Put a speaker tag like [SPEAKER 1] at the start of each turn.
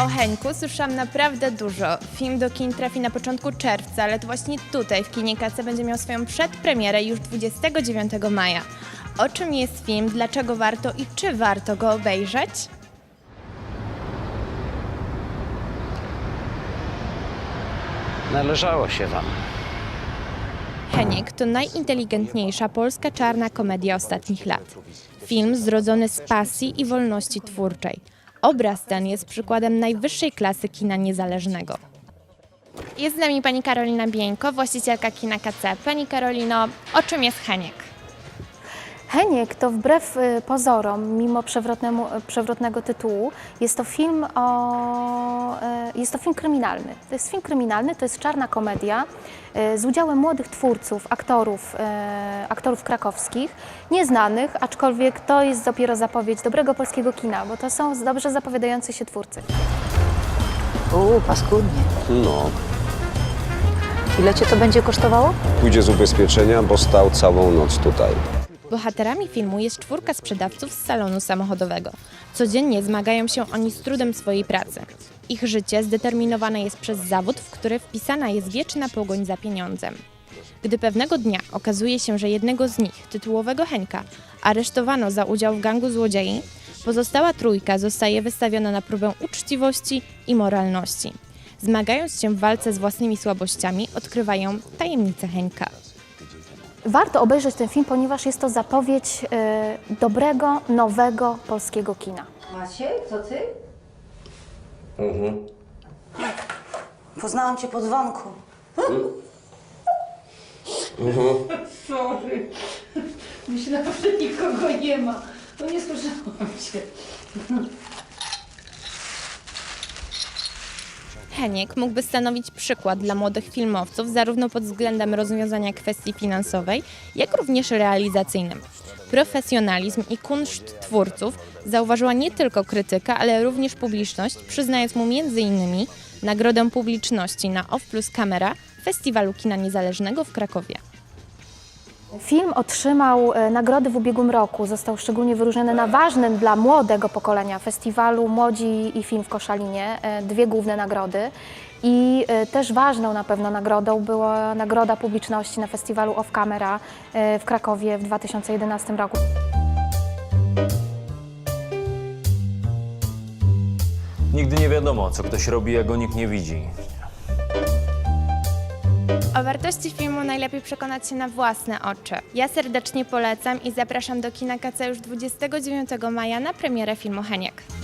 [SPEAKER 1] O Henku słyszałam naprawdę dużo. Film do kin trafi na początku czerwca, ale to właśnie tutaj, w kinie KC, będzie miał swoją przedpremierę już 29 maja. O czym jest film, dlaczego warto i czy warto go obejrzeć?
[SPEAKER 2] Należało się wam.
[SPEAKER 1] Heniek to najinteligentniejsza polska czarna komedia ostatnich lat. Film zrodzony z pasji i wolności twórczej. Obraz ten jest przykładem najwyższej klasy kina niezależnego. Jest z nami pani Karolina Bieńko, właścicielka kina KC. Pani Karolino, o czym jest Heniek?
[SPEAKER 3] Heniek to wbrew pozorom, mimo przewrotnego tytułu, jest to film kryminalny. To jest film kryminalny, to jest czarna komedia z udziałem młodych twórców, aktorów krakowskich, nieznanych, aczkolwiek to jest dopiero zapowiedź dobrego polskiego kina, bo to są dobrze zapowiadający się twórcy.
[SPEAKER 4] Paskudnie.
[SPEAKER 2] No,
[SPEAKER 4] Ile cię to będzie kosztowało?
[SPEAKER 5] Pójdzie z ubezpieczenia, bo stał całą noc tutaj.
[SPEAKER 1] Bohaterami filmu jest 4 sprzedawców z salonu samochodowego. Codziennie zmagają się oni z trudem swojej pracy. Ich życie zdeterminowane jest przez zawód, w który wpisana jest wieczna pogoń za pieniądzem. Gdy pewnego dnia okazuje się, że jednego z nich, tytułowego Henka, aresztowano za udział w gangu złodziei, pozostała trójka zostaje wystawiona na próbę uczciwości i moralności. Zmagając się w walce z własnymi słabościami, odkrywają tajemnicę Henka.
[SPEAKER 3] Warto obejrzeć ten film, ponieważ jest to zapowiedź dobrego, nowego polskiego kina.
[SPEAKER 6] Maciej, to ty? Poznałam cię po dzwonku. Sorry. Myślałam, że nikogo nie ma. No nie słyszałam cię.
[SPEAKER 1] Heniek mógłby stanowić przykład dla młodych filmowców zarówno pod względem rozwiązania kwestii finansowej, jak również realizacyjnym. Profesjonalizm i kunszt twórców zauważyła nie tylko krytyka, ale również publiczność, przyznając mu m.in. nagrodę publiczności na OFF Plus Camera Festiwalu Kina Niezależnego w Krakowie.
[SPEAKER 3] Film otrzymał nagrody w ubiegłym roku, został szczególnie wyróżniony na ważnym dla młodego pokolenia festiwalu Młodzi i Film w Koszalinie, 2 główne nagrody. I też ważną na pewno nagrodą była nagroda publiczności na festiwalu Off Camera w Krakowie w 2011 roku.
[SPEAKER 7] Nigdy nie wiadomo, co ktoś robi, jak go nikt nie widzi.
[SPEAKER 1] O wartości filmu najlepiej przekonać się na własne oczy. Ja serdecznie polecam i zapraszam do kina KC już 29 maja na premierę filmu Heniek.